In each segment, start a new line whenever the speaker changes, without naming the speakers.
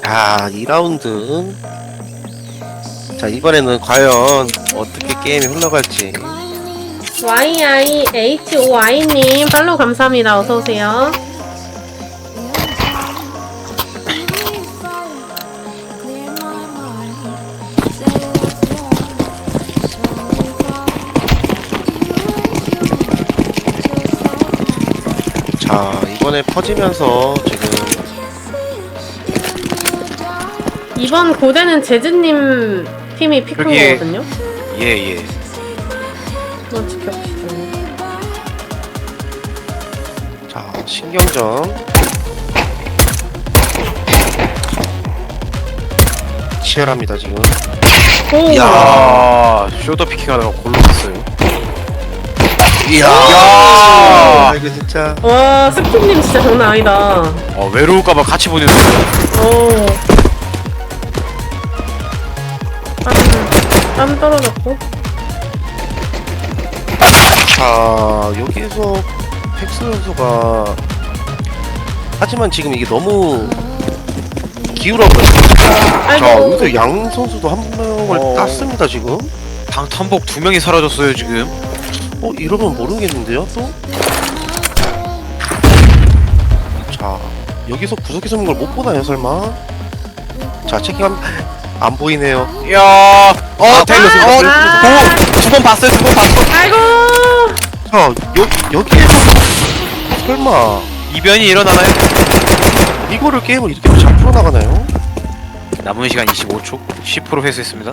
자, 2라운드. 자, 이번에는 과연 어떻게 게임이 흘러갈지.
YIHOI님 팔로우 감사합니다. 어서오세요.
자, 이번에 퍼지면서 지금
이번 고대는 재즈님 팀이 픽한
여기에-
거거든요.
예.
한번 지켜보시죠.
자, 신경전 치열합니다 지금.
오!
야, 쇼더 피킹하다가 골로 갔어요.
이야,
야!
이거 진짜.
와, 스킵님 진짜 장난 아니다.
외로울까봐 같이 보냈어요.
오. 땀 떨어졌고.
자, 여기에서 팩스 선수가 하지만 지금 이게 너무 기울어버렸어요. 자,
아이고.
여기서 양 선수도 한 명을 땄습니다 지금.
방탄복 2명이 사라졌어요 지금.
이러면 모르겠는데요 또? 자, 여기서 구석에 숨은 걸 못 보나요 설마? 자, 체킹하면 안 보이네요.
야,
달렸어요.
두 번 봤어요.
아이고!
자, 여기에서 설마
이변이 일어나나요?
이거를 게임을 이렇게 잘 풀어나가나요?
남은 시간 25초, 10% 회수했습니다.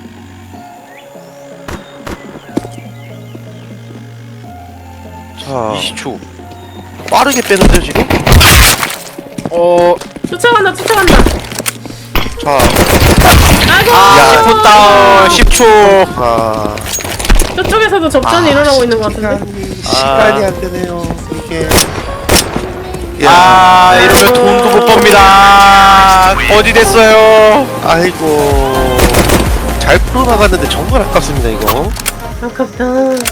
자,
20초.
빠르게 빼는데요 지금?
쫓아간다.
자,
아이고!
10분 다운, 10초.
아,
저쪽에서도 접전이 일어나고 있는 것 같은데.
시간이 안 되네요 이게.
이러면 돈도 못 법니다. 어디 됐어요?
아이고, 잘 풀어나갔는데 정말 아깝습니다 이거.
아깝다.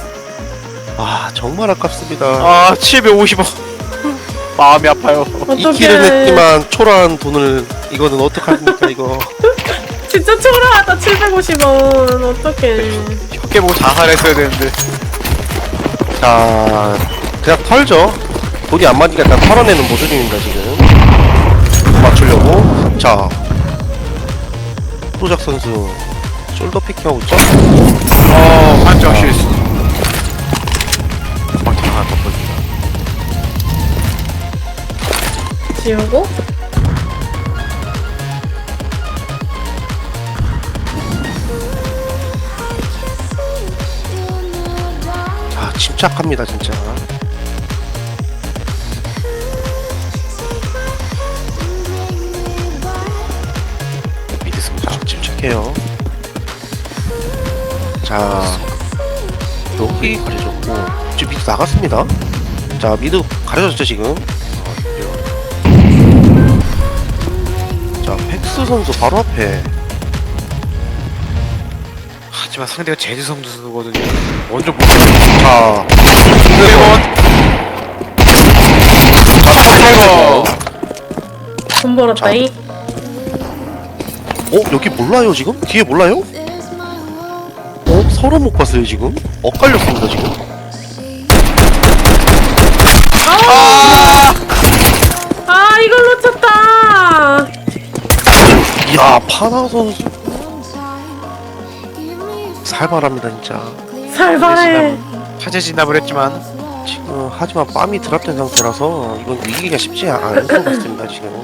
정말 아깝습니다.
750원. 마음이 아파요.
이
어떡해.
킬은 했지만 초라한 돈을 이거는 어떡합니까 이거.
진짜 초라하다. 750원. 어떡해.
혀깨 보고 자살했어야 되는데.
자, 그냥 털죠. 돈이 안 맞으니까 일단 털어내는 모습입니다 지금. 맞추려고. 자, 프로작 선수 숄더 피킹하고 있죠.
한정 실수. 막상 하나 더 보입니다.
지우고.
자, 침착합니다 진짜.
믿습니다.
자, 침착해요. 자, 여기 가려졌고 지금 미드 나갔습니다. 자, 미드 가려졌죠 지금. 자, 팩스 선수 바로 앞에.
하지만 상대가 제주 선수거든요. 먼저 못.
자,
200원.
돈 벌었다잉.
여기 몰라요 지금? 뒤에 몰라요? 서로 못 봤어요 지금? 엇갈렸습니다 지금.
이걸 놓쳤다.
이야, 파나 선수 살벌합니다 진짜.
살벌해.
화재 진압을 했지만
지금 하지만 빰이 드랍된 상태라서 이건 이기기가 쉽지 않을 것 같습니다 지금.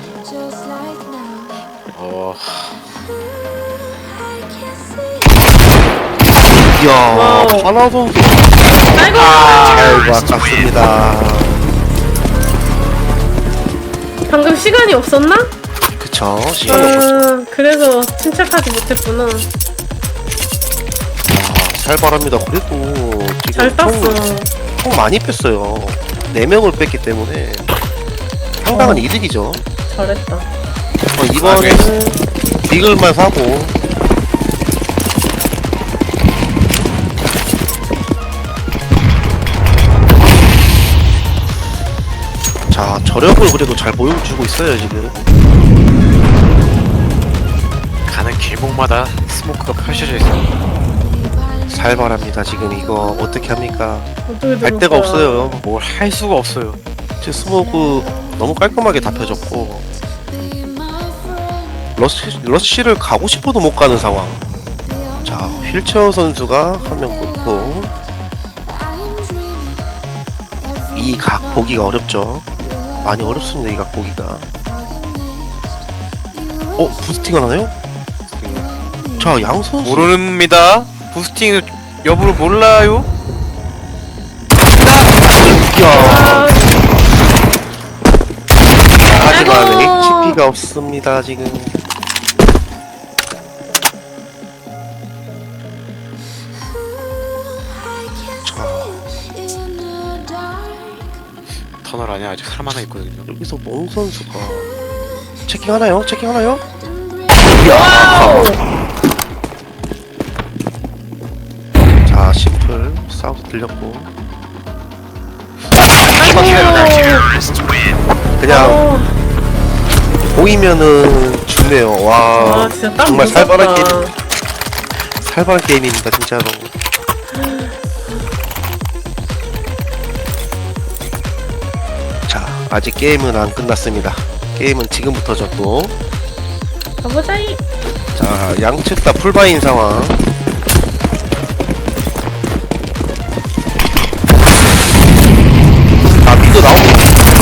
이야,
와우.
파나 선수
아이고!
아이고 아깝습니다.
방금 시간이 없었나?
그쵸, 시간이 없었죠.
그래서 침착하지 못했구나.
살벌합니다. 그래도 지금
잘 땄어.
총 많이 뺐어요. 4명을 뺐기 때문에 상당한 이득이죠.
잘했다.
이번에는 빅을만 사고. 자, 저력을 그래도 잘 보여주고 있어요 지금.
길목마다 스모크가 펼쳐져 있어.
살벌합니다 지금. 이거 어떻게 합니까?
어떻게
할
들을
데가
거야?
없어요.
뭘 할 수가 없어요.
지금 스모그 너무 깔끔하게 다 펴졌고 러쉬를 가고 싶어도 못 가는 상황. 자, 휠체어 선수가 한 명 놓고 이 각 보기가 어렵죠. 많이 어렵습니다. 이 각 보기가. 부스팅을 하나요? 자, 양 선수
모릅니다. 부스팅 여부를 몰라요.
야,
아,
하지만
아이고.
HP가 없습니다 지금. 자,
터널 안에 아직 사람 하나 있거든요.
여기서 몽 선수가 체킹 하나요? 체킹 하나요?
와우.
자, 심플 사우스 들렸고
아이고.
그냥
어,
보이면은 죽네요. 와,
아 진짜 딱
정말
무섭다.
살벌한 게임, 살벌한 게임입니다 진짜로. 자, 아직 게임은 안 끝났습니다. 게임은 지금부터죠 또.
가보자이.
자, 양측 다 풀바인 상황. 아, 미도 나오고.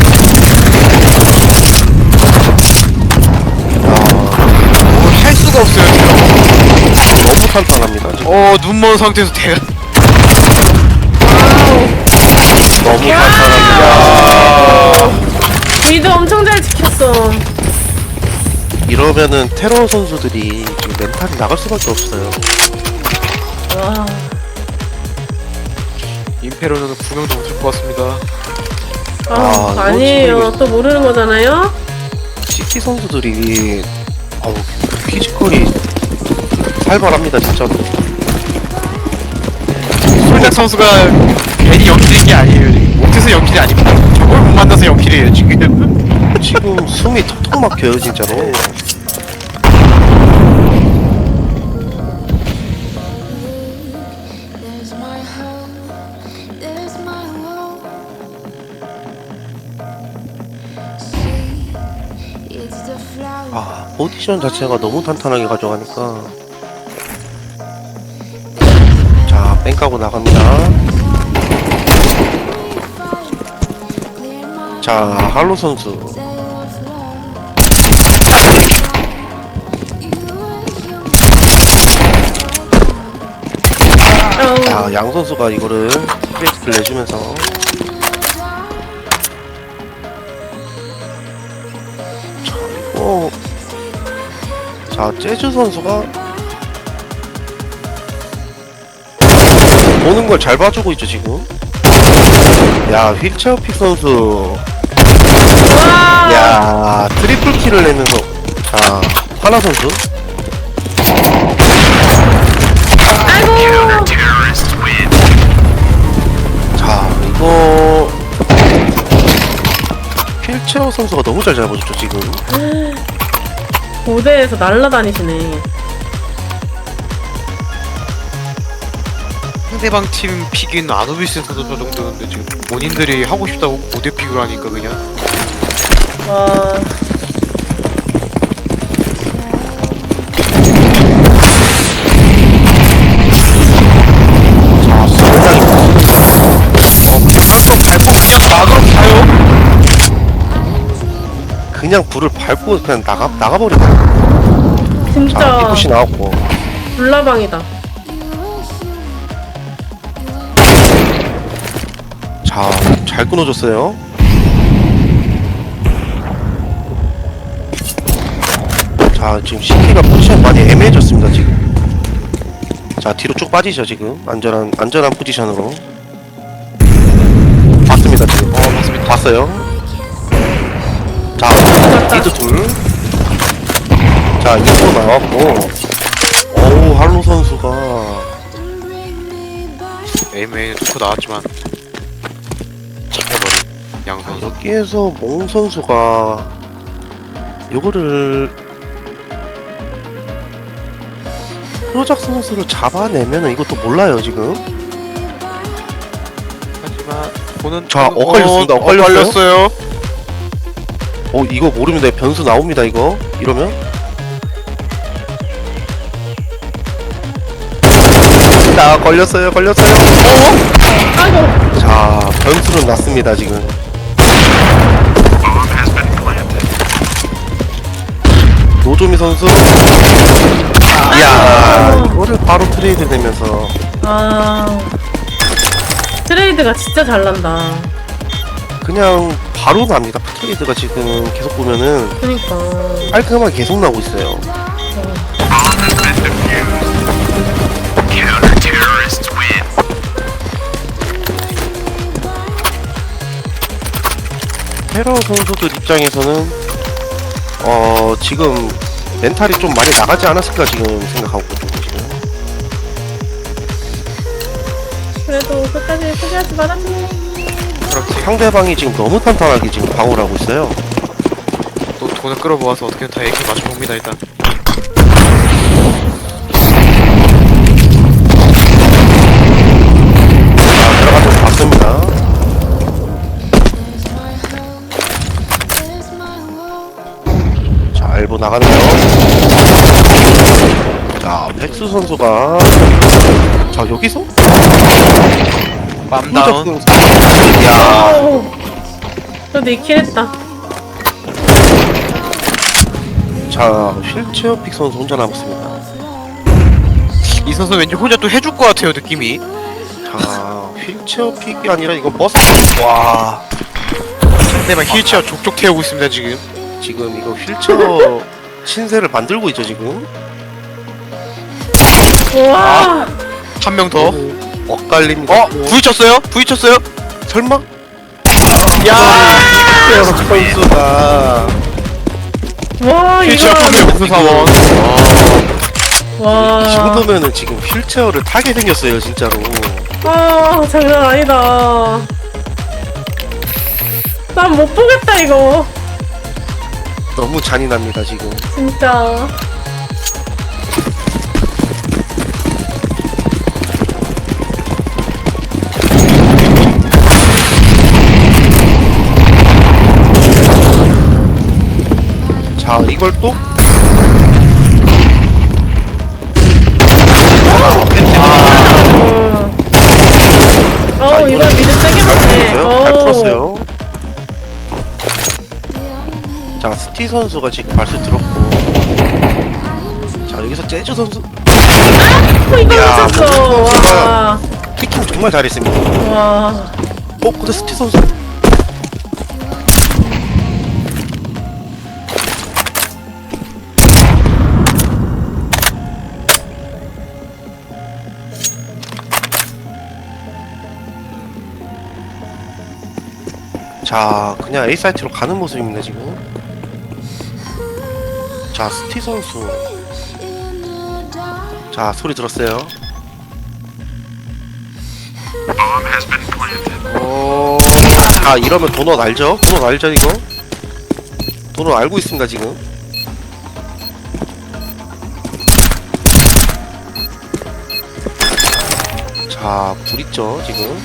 뭘 할 수가 없어요 지금.
너무 탄탄합니다 지금.
눈먼 상태에서 대가.
너무 탄탄합니다.
미드 엄청 잘 지켰어.
이러면은 테러 선수들이 지금 멘탈이 나갈 수밖에 없어요.
와.
임페로는 구경도 못할 것 같습니다.
아, 이거
아니에요. 또 모르는 거잖아요.
CT 선수들이 피지컬이 살벌합니다 진짜로.
솔작 선수가 괜히 연킬인 게 아니에요. 지금. 못해서 연킬이 아닙니다. 저걸 못 만나서 연킬이에요 지금.
지금 숨이 턱턱 막혀요 진짜로.
There's my hope, there's my hope. See, it's the flower.
아, 포지션 자체가 너무 탄탄하게 가져가니까. 자, 뺑 까고 나갑니다.
Clear my
자, 할로 선수.
sail of love. You
자, 양 선수가 이거를 프레스를 내주면서. 자, 이거. 자, 재즈 선수가 보는 걸 잘 봐주고 있죠 지금. 야, 휠체어 픽 선수.
와.
야, 트리플 킬을 내면서. 자, 하나 선수.
아이고.
자, 이거 휠체어 선수가 너무 잘 잡아줬죠 지금.
고대에서 날라다니시네.
상대방 팀 픽인 아노비스 선수 저 정도였는데 지금 본인들이 하고 싶다고 고대 픽을 하니까 그냥
와.
자, 상당히
막으로 가요.
그냥 불을 밟고 그냥 나가버리네. 자,
진짜
피부시 나왔고.
불나방이다.
자, 잘 끊어줬어요. 자, 지금 CT가 포지션 많이 애매해졌습니다 지금. 자, 뒤로 쭉 빠지죠 지금. 안전한 포지션으로. 봤습니다 지금.
맞습니다.
봤어요. 자, 미드 둘. 자, 이거 나왔고. 어우, 할로 선수가.
bring me back.
에이메인 놓고 나왔지만 잡혀버린 양 선수.
여기에서 몽 선수가 요거를 프로작 선수를 잡아내면은 이것도 몰라요 지금.
하지만 보는
자, 엇갈렸습니다. 엇갈렸어요?
엇갈렸어요.
이거 모릅니다. 변수 나옵니다 이거. 이러면 자 걸렸어요.
아이고.
자 변수는 났습니다 지금. 노조미 선수. 이야 이거를 바로 트레이드 되면서
아. 트레이드가 진짜 잘 난다.
그냥 바로 납니다. 트레이드가 지금 계속 보면은
그니까.
깔끔하게 계속 나오고 있어요. 테러 선수들 입장에서는 지금 멘탈이 좀 많이 나가지 않았을까 지금 생각하고 있거든요 지금.
그래도 끝까지 포기하지 말았네.
그렇지.
상대방이 지금 너무 탄탄하게 지금 방어를 하고 있어요.
또 돈을 끌어모아서 어떻게든 다 얘기 맞춰봅니다 일단.
자 들어가서 봤습니다.
There's my world.
자 엘보 나가네요. 자 팩스 선수가 자 여기서
빰다운.
야
오. 그래도 2킬 했다.
자 휠체어 픽 선수 혼자 남았습니다.
이 선수 왠지 혼자 또 해줄 것 같아요 느낌이.
자 휠체어 픽이 아니라 이거 버스. 와
상대방 힐체어 족족 태우고 있습니다 지금.
지금 이거 휠체어 신세를 만들고 있죠 지금.
우와.
한 명 더.
엇갈립니다.
부딪혔어요? 부딪혔어요?
설마?
야!
휠체어 선수가
와,
힐체어
이거.
판매 목표 사원.
이
와.
정도면은 지금 휠체어를 타게 생겼어요 진짜로.
아, 장난 아니다. 난 못 보겠다, 이거.
너무 잔인합니다 지금.
진짜.
자 이걸 또
이거 미드 세게 맞네.
잘 풀었어요. 자 스티 선수가 지금 발수 들었고, 자 여기서 재즈 선수
이거
야,
미쳤어.
선수가
와.
피킹 정말 잘했습니다.
와.
근데 스티 선수 자 그냥 A 사이트로 가는 모습입니다 지금. 자 스티 선수 자 소리 들었어요. 자 이러면 도넛 알죠? 도넛 알죠 이거? 도넛 알고 있습니다 지금. 자 불 있죠 지금.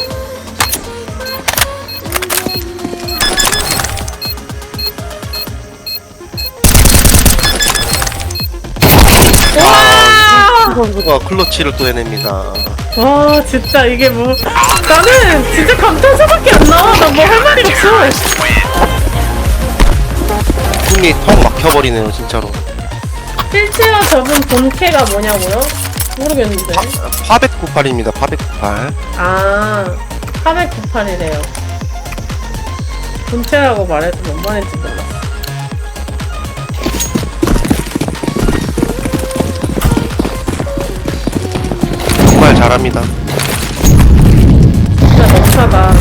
와.
선수가 클러치를 또 해냅니다.
와, 진짜 이게 뭐. 나는 진짜 감탄사밖에 안 나와. 나 뭐 할 말이 없어.
숨이 턱 막혀버리네요 진짜로.
휠체어 접은 본캐가 뭐냐고요? 모르겠는데.
파벳 98입니다. 파벳 98.
아, 898이래요. 본체라고 말해도 몇 번인지 몰랐어.
정말 잘합니다.
진짜 넘사다.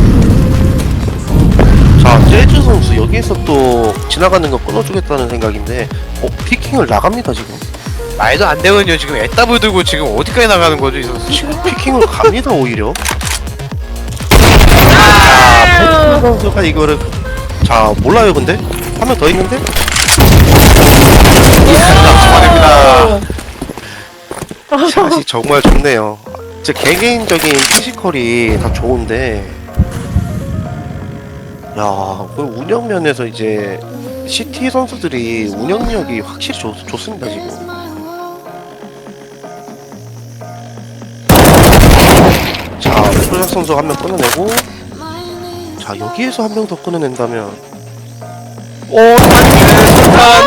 자 재즈 선수 여기에서 또 지나가는 거 끊어주겠다는 생각인데 피킹을 나갑니다 지금.
말도 안 되거든요 지금 애따블 들고 지금 어디까지 나가는 거죠 이 선수 지금.
피킹을 갑니다 오히려.
아유.
선수가 이거를 자 몰라요 근데 한 명 더 있는데.
잡아냅니다.
샷이 정말 좋네요. 제 개개인적인 피지컬이 다 좋은데, 야, 그 운영 면에서 이제 CT 선수들이 운영력이 확실히 좋습니다 지금. 자, 프로작 선수 한 명 끊어내고, 자 여기에서 한 명 더 끊어낸다면,
오, 단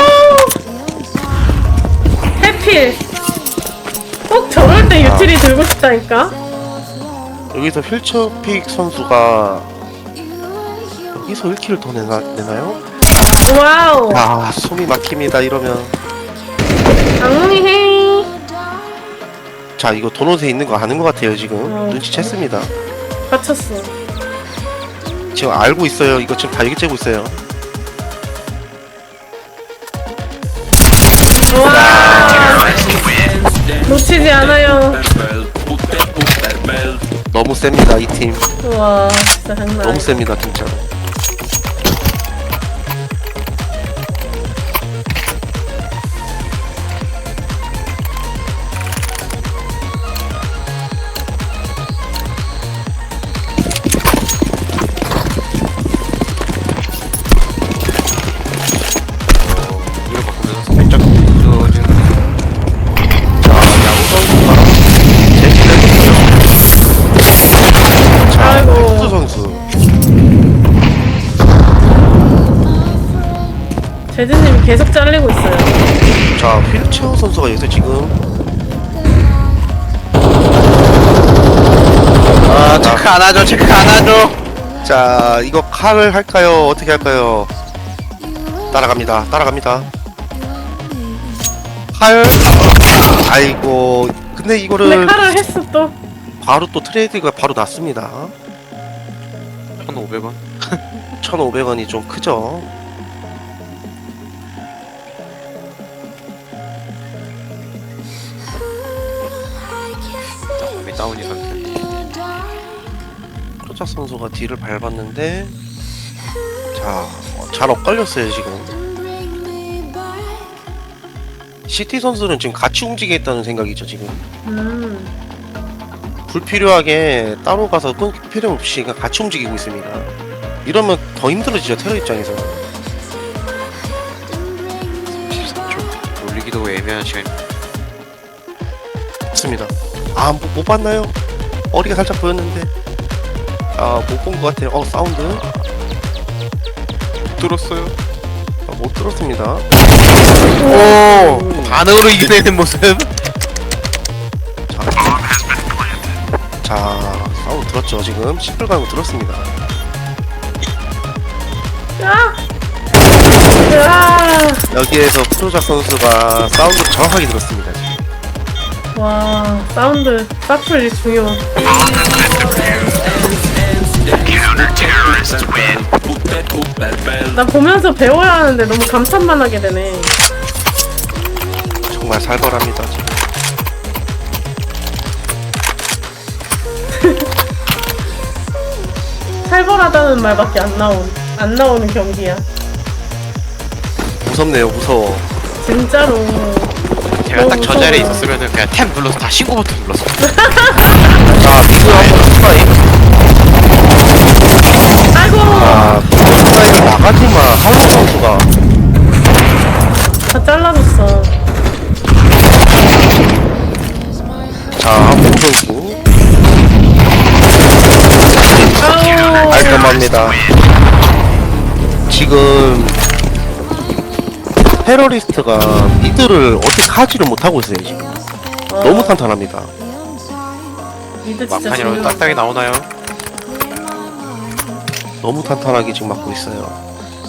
해필. 꼭 저럴 때 유틸이 들고 싶다니까.
여기서 휠처픽 선수가 여기서 1킬을 더 내나요?
와우.
아, 숨이 막힙니다 이러면.
악몽이 헤이.
자, 이거 도넛에 있는 거 아는 것 같아요 지금.
어.
눈치챘습니다.
갇혔어.
지금 알고 있어요. 이거 지금 다 얘기째고 있어요.
와. 놓치지 않아요.
너무 셉니다 이 팀.
와, 진짜 장난
너무
아니야.
셉니다 진짜로.
이걸 바꾸면서 살짝 부서진.
자, 야구 선수가 제시를 했어요. 자,
아이고.
혁수 선수.
제드님이 계속 잘리고 있어요.
자, 휠체어 선수가 여기서 지금.
아, 체크 안 하죠, 체크 안 하죠.
자, 이거 칼을 할까요? 어떻게 할까요? 따라갑니다. 따라갑니다. 칼. 아이고. 근데
근데
이거를
칼을 했어 또.
바로 또 트레이드가 바로 났습니다.
1,500원.
1,500원이 좀 크죠?
왜 다운이 상태.
토착 선수가 뒤를 밟았는데, 자, 잘 엇갈렸어요 지금. CT 선수는 지금 같이 움직이겠다는 생각이죠 지금. 불필요하게 따로 가서 끊길 필요 없이 그냥 같이 움직이고 있습니다. 이러면 더 힘들어지죠 테러 입장에서.
13초. 올리기도 애매한 시간.
맞습니다. 아, 못 봤나요? 머리가 살짝 보였는데. 아, 못 본 것 같아요. 사운드.
들었어요.
못 들었습니다.
오, 반응으로 이겨내는 모습.
자, 사운드 들었죠 지금. 시플 가고 들었습니다.
아! 으아!
여기에서 프로작 선수가 사운드 정확하게 들었습니다 지금.
와, 사운드 사플이 중요. 나 보면서 배워야 하는데 너무 감탄만 하게 되네.
정말 살벌합니다 지금.
살벌하다는 말밖에 안 나오는 경기야.
무섭네요 무서워.
진짜로.
제가 딱 저 자리에
무서워요.
있었으면은 그냥 탭 눌러서 다 신고 버튼 눌렀어.
자, 미드 한번 스파이.
아이고!
아, 스파이를 나가지만 할로 선수가.
다 잘라줬어.
자, 공 선수.
아우!
깔끔합니다. 지금 테러리스트가 미드를 어떻게 하지를 못하고 있어요 지금. 너무 탄탄합니다.
미드 진짜
막판이라도
중요.
딱딱이 나오나요?
너무 탄탄하게 지금 막고 있어요.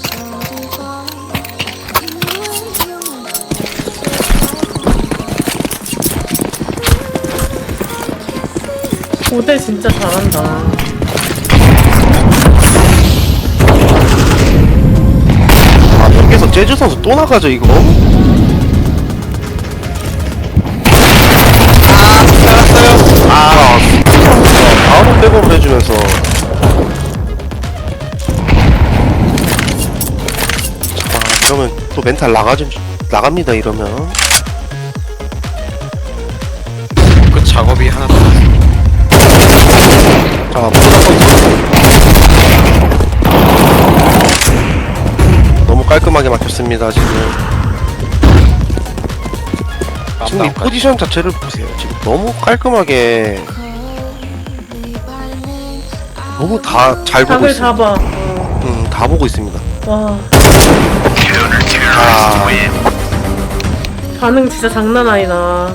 고대 진짜 잘한다.
아, 여기서 재즈 선수 또 나가죠 이거? 아, 선수가 바로 백업을 해주면서. 자, 이러면 또 멘탈 나갑니다 이러면.
작업이 하나 더 났습니다.
자, 보다 선수. 너무 깔끔하게 막혔습니다, 지금. 지금 이
깜깜까지.
포지션 자체를 보세요. 지금 너무 깔끔하게, 너무 다 잘 보고
각을
있어요.
잡아.
다 보고 있습니다.
와,
아,
반응 진짜 장난 아니다.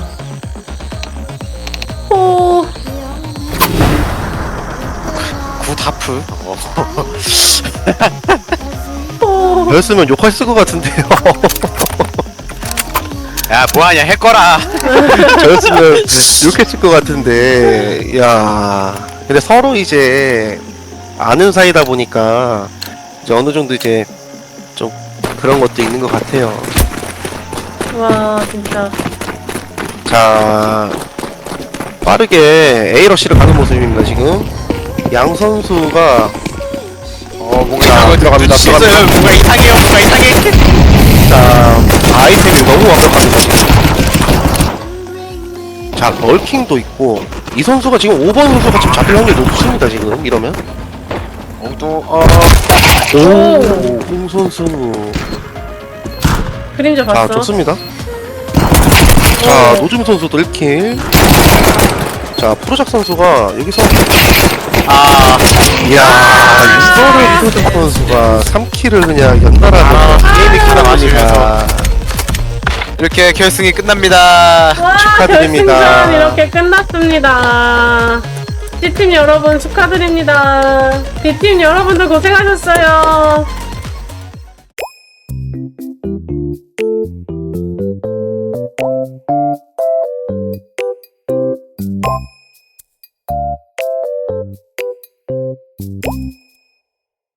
오,
굿하프.
오.
저였으면 욕했을 것 같은데요.
야 뭐하냐 해거라.
저였으면 욕했을 것 같은데, 야. 근데 서로 이제 아는 사이다 보니까 이제 어느 정도 이제 좀 그런 것도 있는 것 같아요.
와, 진짜.
자, 빠르게 A러시를 가는 모습입니다, 지금. 양 선수가,
뭔가
자,
이상한 거
들어갑니다,
눈치챘어요.
들어갑니다.
뭔가 이상해요. 뭔가 이상해.
자, 아이템이 너무 완벽합니다, 지금. 자, 럴킹도 있고, 이 선수가 지금 5번 선수가 지금 잡힐 확률이 높습니다, 지금, 이러면.
또
오, 홍 선수.
그림자
자,
봤어?
좋습니다. 자,
오.
노즘 선수도 1킬. 자, 프로작 선수가 여기서 이야, 이거를 프로작 선수가 3킬을 그냥 연달아 게임이 끝나갑니다.
이렇게 결승이 끝납니다.
와,
축하드립니다.
결승전 이렇게 끝났습니다. D팀 여러분 축하드립니다. D팀 여러분들 고생하셨어요.